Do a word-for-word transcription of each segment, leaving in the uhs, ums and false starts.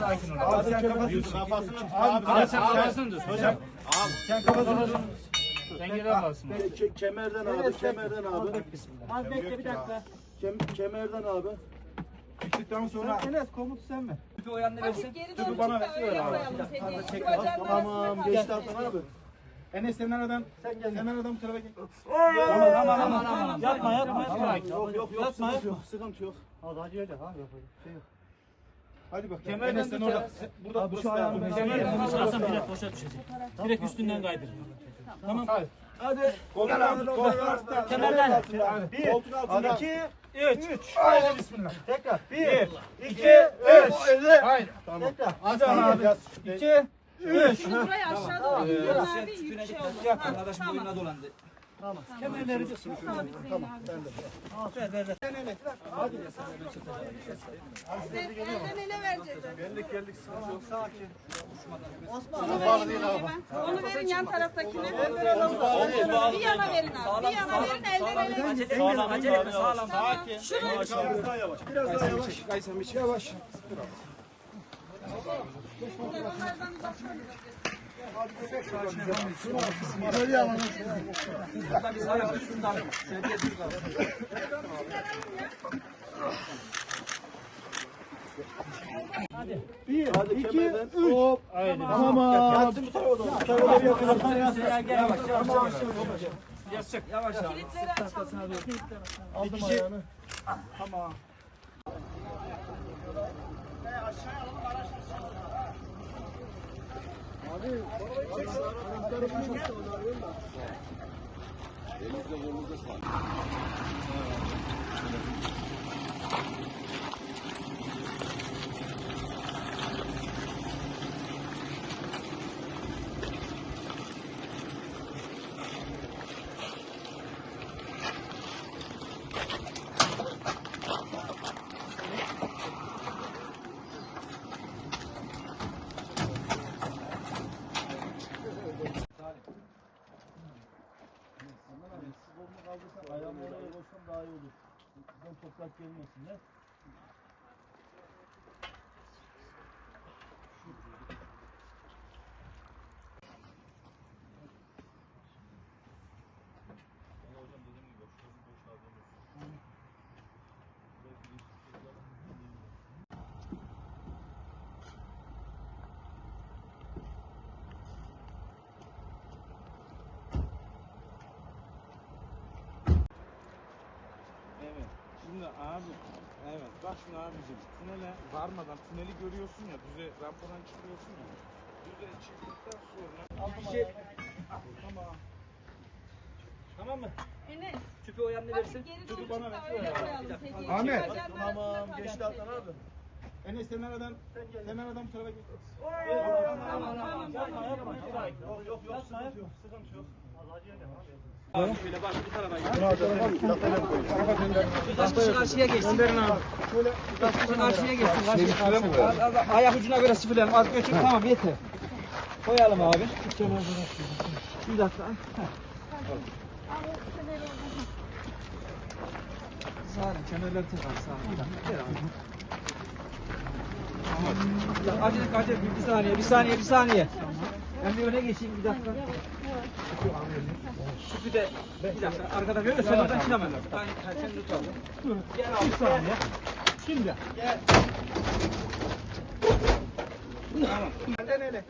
sakin ol. Abi sen kafasını kafasını Abi sen kafasını tut. Hocam. Abi sen kafasını tut. Dengeden kalsın. Ke- kemerden abi, kemerden abi. Az bekle bir dakika. Kem kemerden abi. Bittikten sonra Enes komutu sen mi? Tüpü o yanına versin. tüpü bana ver. Tamam geçti Hasan abi. Enes sen aradan sen gel. Sen aradan bu tarafa gel. Tamam tamam tamam tamam. Yapma yapma yapma. Yok yok yok. Yapma Sıkıntı yok. Sıkıntı yok. Hadi hadi hadi abi yapalım. Şey yok. Hadi bak. Kemerden Enes sen tut orada. ya. Burada Abi burası şu ayağını da. Kemerden tut. Hasan direkt boşa düşecek. Direkt üstünden kaydır. Tamam. Hadi. Hadi. Koltuğun altında. Koltuğun altında. Kemerden. Bir. Koltuğun altında. iki, Üç. üç. Haydi bismillah. Tekrar. Bir, İki. Üç. Haydi. Tamam. tekrar. Hadi abi. İki, üç. Şimdi burayı aşağıda Biraz abi sen yük tüpüne şey dikkat. oldu. Yak arkadaşım boynuna dolandı. Tamam. Kemerleri de Tamam. Tamam. ver ver ver. Sen elden ele vereceğiz. Geldik geldik. Sıkıntı yok. Sakin. Onu verin, onu verin yan taraftakine. Bir yana verin abi. Bir yana verin elden ele. Acele etme, acele etme, sağlam. Sakin. Şunu Biraz daha yavaş. Biraz daha yavaş. Kaysam hiç Yavaş. onlardan uzaklaşın. Böyle alalım. burada bir sağlam üstünden. Sevdiye dur kalın. Bir, hadi iki, üç. Hop. Tamam. Yatsın bu tarafa doğru. Bu tarafa doğru yakın. Yavaş yavaş yavaş. Yavaş yavaş yavaş. Kilitleri açalım. Aldım ayağını. Tamam. Abi, ayağımı oraya koysam daha iyi olur. Bizden toprak gelmesin ya. Evet. Şimdi abi, evet bak şimdi abicim, tünele varmadan tüneli görüyorsun ya, düze rampadan çıkıyorsun ya. Düze çıktıktan sonra Bir şey. tamam. Tamam mı? Enes. Tüpü o yanına versin. Hadi geri doğru çık da öyle koyalım. Hediye. Ahmet. Şu bacağın Tamam. arasına Geçti kalacak Hasan abi. Enes sen aradan, sen aradan bu tarafa gel. Tamam tamam. Yapma yapma. Yok yok yok. Sıkıntı yok. Sıkıntı yok. Abi şöyle bak bu tarafa gel. Biraz kişi karşıya geçsin. Gönderin abi. Biraz kişi karşıya geçsin. Karşıya. Az, az, ayak ucuna göre sıfırlayalım. Az götür. Tamam yeter. Koyalım abi. Bir dakika. Sağ olun. Kemerleri tekrar sağ olun. Bir dakika. Ver abi. Bir dakika. Acele acele. Bir saniye. Bir saniye. Bir saniye. Ben bir öne geçeyim. Bir dakika. Süpü de bir dakika. Arkada böyle sen oradan çıkamam. Ben sen tut abi. Dur. Gel abi. Bir saniye. Şimdi. Gel. Elden ele.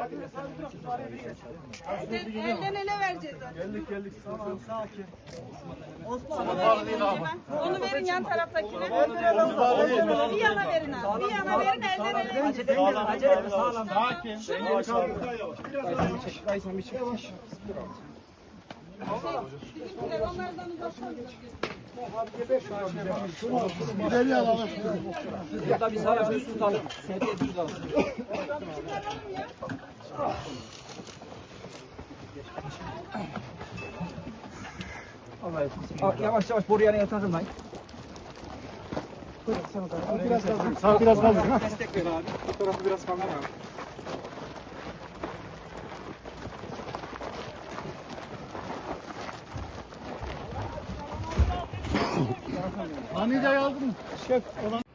Elden ele vereceğiz zaten. Geldik geldik. Tamam sakin. Onu verin, onu verin yan taraftakine. Bir yana verin abi. Bir yana verin elden ele. Acele etme. Acele etme. Sağlam. Sakin. Yavaş abi. Biraz daha yavaş. Kaysam bir şey. Yavaş. Bizimkiler onlardan uzaklaşın. İleri alalım. Burada bir sağlam düz tutalım. Sevdiye düz tutalım. Allah'a yavaş yavaş boru yanına takılmayın. Biraz kaldı. Sağ biraz kaldı. Destek ver abi. Bu tarafı biraz kaldı abi. Anida'yı aldın mı? Şef olan.